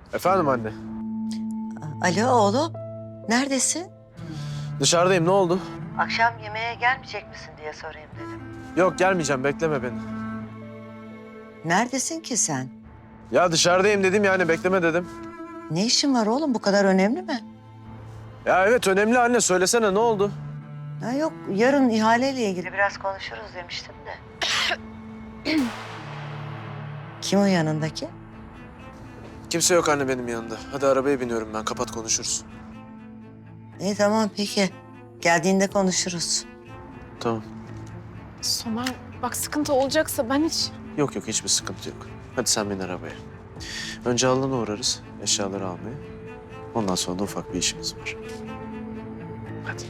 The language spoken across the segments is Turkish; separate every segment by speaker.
Speaker 1: Efendim anne.
Speaker 2: Alo oğlum, neredesin?
Speaker 1: Dışarıdayım, ne oldu?
Speaker 2: Akşam yemeğe gelmeyecek misin diye sorayım dedim.
Speaker 1: Yok gelmeyeceğim, bekleme beni.
Speaker 2: Neredesin ki sen?
Speaker 1: Ya dışarıdayım dedim yani, bekleme dedim.
Speaker 2: Ne işin var oğlum, bu kadar önemli mi?
Speaker 1: Ya evet önemli anne, söylesene ne oldu?
Speaker 2: Ha yok, yarın ihaleyle ilgili biraz konuşuruz demiştim de. Kim o yanındaki?
Speaker 1: Kimse yok anne benim yanında. Hadi arabaya biniyorum ben, kapat konuşuruz.
Speaker 2: İyi tamam peki. Geldiğinde konuşuruz.
Speaker 1: Tamam.
Speaker 3: Somer bak sıkıntı olacaksa ben hiç...
Speaker 1: Yok yok, hiçbir sıkıntı yok. Hadi sen bin arabaya. Önce Alın'a uğrarız, eşyaları almaya. Ondan sonra da ufak bir işimiz var. Hadi.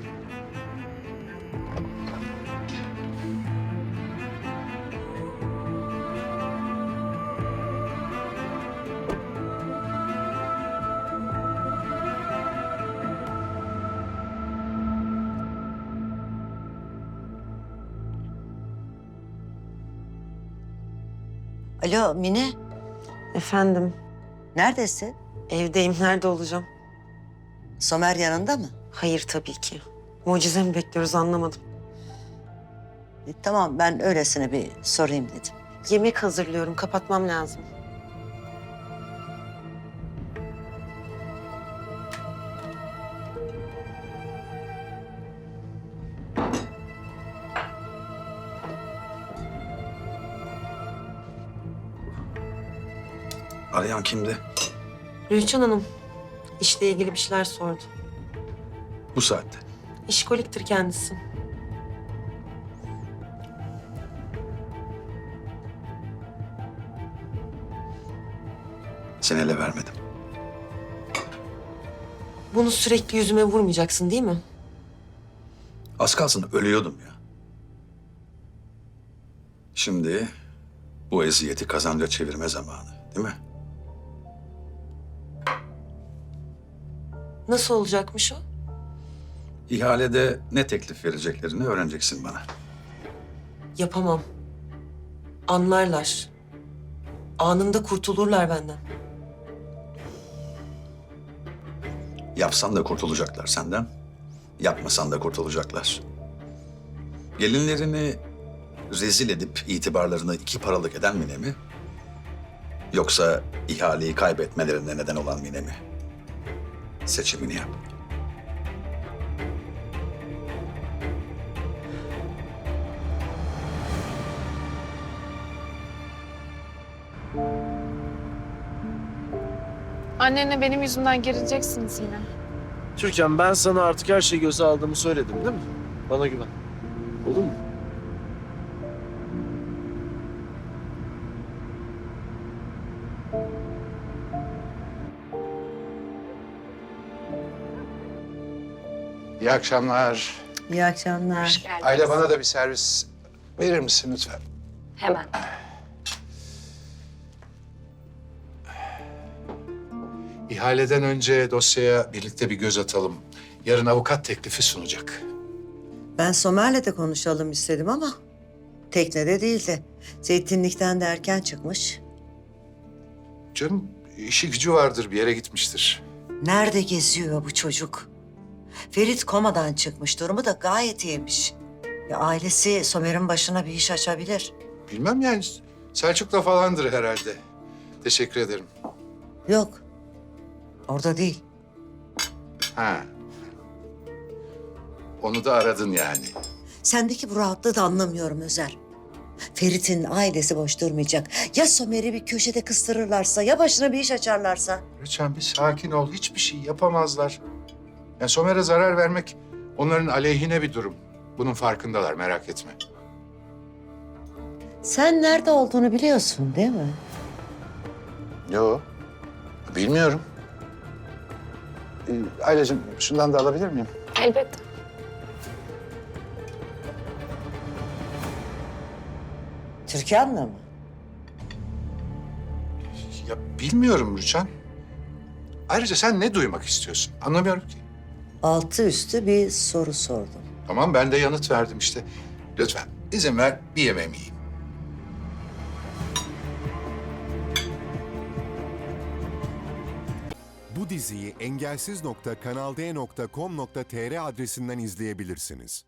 Speaker 2: Alo Mine,
Speaker 4: Efendim,
Speaker 2: neredesin?
Speaker 4: evdeyim. Nerede olacağım?
Speaker 2: Somer yanında mı?
Speaker 4: Hayır tabii ki. Mucize mi bekliyoruz anlamadım.
Speaker 2: Tamam ben öylesine bir sorayım dedim.
Speaker 4: Yemek hazırlıyorum, kapatmam lazım.
Speaker 5: Arayan kimdi?
Speaker 4: Rüçhan Hanım, işle ilgili bir şeyler sordu.
Speaker 5: Bu saatte.
Speaker 4: İşkoliktir kendisi.
Speaker 5: Seni ele vermedim.
Speaker 4: Bunu sürekli yüzüme vurmayacaksın değil mi?
Speaker 5: Az kalsın ölüyordum ya. Şimdi bu eziyeti kazanca çevirme zamanı, değil mi?
Speaker 4: Nasıl olacakmış o?
Speaker 5: İhalede ne teklif vereceklerini öğreneceksin bana.
Speaker 4: Yapamam. Anlarlar. Anında kurtulurlar benden.
Speaker 5: Yapsan da kurtulacaklar senden. Yapmasan da kurtulacaklar. Gelinlerini rezil edip itibarlarını iki paralık eden Mine mi? Yoksa ihaleyi kaybetmelerine neden olan Mine mi? Seçimini yap.
Speaker 3: Annenle benim yüzümden gerileceksiniz yine.
Speaker 1: Türkan, ben sana artık her şeyi göze aldığımı söyledim değil mi? Bana güven. Olur mu?
Speaker 6: İyi akşamlar.
Speaker 2: İyi akşamlar.
Speaker 6: Aile bana da bir servis verir misin lütfen?
Speaker 7: Hemen.
Speaker 6: İhaleden önce dosyaya birlikte bir göz atalım. Yarın avukat teklifi sunacak.
Speaker 2: Ben Somer'le de konuşalım istedim ama teknede değildi. Zeytinlikten de erken çıkmış.
Speaker 6: Canım işi gücü vardır, bir yere gitmiştir.
Speaker 2: Nerede geziyor bu çocuk? Ferit komadan çıkmış, durumu da gayet iyiymiş. Ya ailesi Somer'in başına bir iş açabilir.
Speaker 6: Bilmem yani, Selçuk'la falandır herhalde. Teşekkür ederim.
Speaker 2: Yok, orada değil.
Speaker 6: Ha. Onu da aradın yani.
Speaker 2: Sendeki bu rahatlığı da anlamıyorum Özer. Ferit'in ailesi boş durmayacak. Ya Somer'i bir köşede kıstırırlarsa, ya başına bir iş açarlarsa?
Speaker 6: Lütfen bir sakin ol, hiçbir şey yapamazlar. Yani Somer'e zarar vermek onların aleyhine bir durum. Bunun farkındalar, merak etme.
Speaker 2: Sen nerede olduğunu biliyorsun değil mi?
Speaker 6: Yo, bilmiyorum. Aileciğim, şundan da alabilir miyim?
Speaker 3: Elbette.
Speaker 2: Türkan'la mı?
Speaker 6: Ya bilmiyorum Rüçhan. Ayrıca sen ne duymak istiyorsun? Anlamıyorum ki.
Speaker 2: Altı üstü bir soru sordum.
Speaker 6: Tamam, ben de yanıt verdim işte. Lütfen izin ver, bir yemeğimi yiyeyim.
Speaker 7: Bu diziyi engelsiz.kanalde.com.tr adresinden izleyebilirsiniz.